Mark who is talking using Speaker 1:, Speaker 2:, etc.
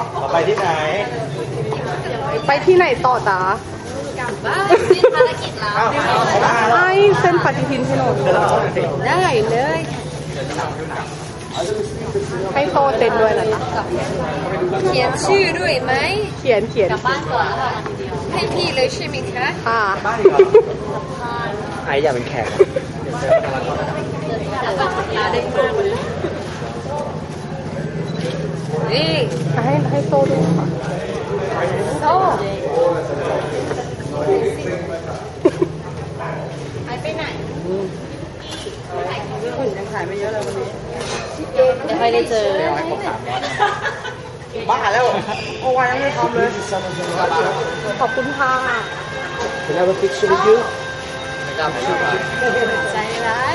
Speaker 1: ไปที่ไหน
Speaker 2: ไปที่ไหนต่อจ๊ะ
Speaker 3: กลับบ้านมีภารกิจแล้ว
Speaker 2: ไอ้เส้นปฏิทินให้หน่อย
Speaker 3: ได้เลย
Speaker 2: ให้โซเต้นด้วยนะจ๊ะ
Speaker 3: เขียนชื่อด้วยไหม
Speaker 2: เขียน
Speaker 3: กลับบ้านก่อนให้พี่เลยใช่ไหมคะ
Speaker 2: ค่ะ
Speaker 1: ไออยากเป็นแขก
Speaker 3: นี่
Speaker 2: ให้โซด้วยค่ะ
Speaker 3: โซ่ไปไหน
Speaker 2: ยังถ่ายไม่เยอะเลยวันนี้
Speaker 3: ไม่ค่อยได้เจอ
Speaker 1: บ้าแล้วโอ้ยยังไม่ทำเลย
Speaker 2: ขอบคุณค่ะ
Speaker 1: Can I have a picture with you
Speaker 3: ใจร้าย